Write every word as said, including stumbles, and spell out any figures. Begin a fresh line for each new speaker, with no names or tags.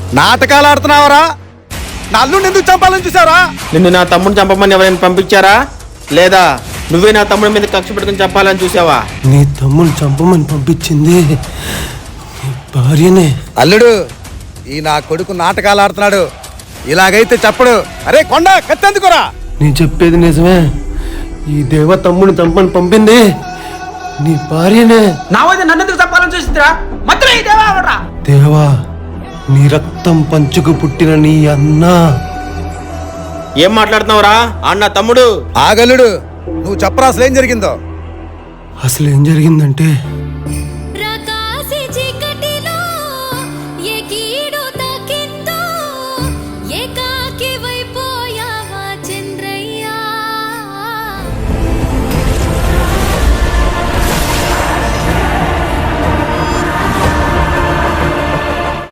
నాటకాలు ఆడుతున్నావరా? నా అల్లుడిని ఎందుకు చంపాలని చూసావరా?
నిన్ను నా తమ్ముడిని చంపమని ఎవరైనా పంపించారా, లేదా నువ్వే నా తమ్ముడి మీద కక్ష పెట్టుకుని చెప్పాలని చూసావా?
నీ తమ్ముడిని చంపమని పంపించింది నీ భార్యనే.
అల్లుడు, ఈ నా కొడుకు నాటకాలు ఆడుతున్నాడు. ఇలాగైతే చెప్పడు. అరే కొండ, కత్తెందుకురా?
నేను చెప్పేది నిజమే. ఈ దేవ తమ్ముడిని చంపని పంపింది నీ భార్యనే.
నా వద్ద నన్ను ఎందుకు చంపాలని చూసిందిరా? మాత్రం ఈ దేవా ఎవడ్రా?
దేవా, నీ రక్తం పంచుకు పుట్టిన నీ అన్న.
ఏం మాట్లాడుతున్నావురా? అన్న తమ్ముడు.
ఆగల్లుడు, నువ్వు చెప్పరా అసలు ఏం జరిగిందో?
అసలు ఏం జరిగిందంటే